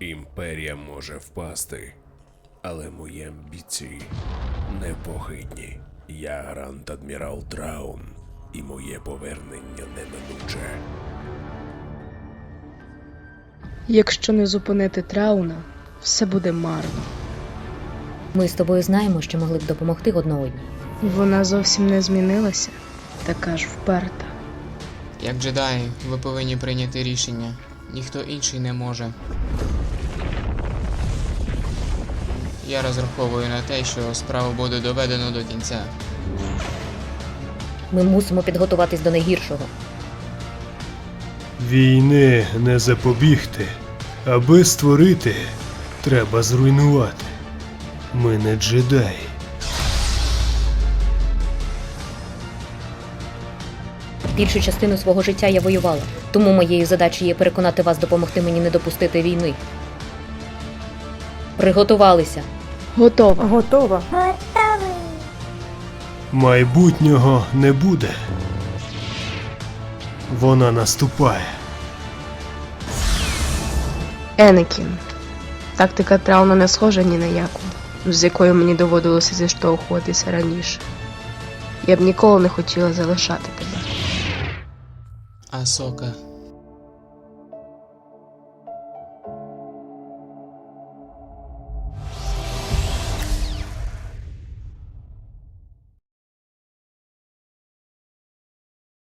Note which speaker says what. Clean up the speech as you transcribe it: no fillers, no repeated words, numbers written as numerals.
Speaker 1: Імперія може впасти, але мої амбіції непохитні. Я Гранд-Адмірал Траун, і моє повернення неминуче.
Speaker 2: Якщо не зупинити Трауна, все буде марно.
Speaker 3: Ми з тобою знаємо, що могли б допомогти одна одній.
Speaker 2: Вона зовсім не змінилася, така ж вперта.
Speaker 4: Як джедаї, ви повинні прийняти рішення. Ніхто інший не може. Я розраховую на те, що справу буде доведено до кінця.
Speaker 3: Ми мусимо підготуватись до найгіршого.
Speaker 5: Війни не запобігти. Аби створити, треба зруйнувати. Ми не джедаї.
Speaker 3: Більшу частину свого життя я воювала, тому моєю задачею є переконати вас допомогти мені не допустити війни. Приготувалися.
Speaker 2: Готова.
Speaker 6: Готова.
Speaker 5: Майбутнього не буде. Вона наступає.
Speaker 2: Енекін. Тактика Трауна не схожа ні на яку, з якою мені доводилося зіштовхуватися раніше. Я б ніколи не хотіла залишати тебе.
Speaker 4: Асока.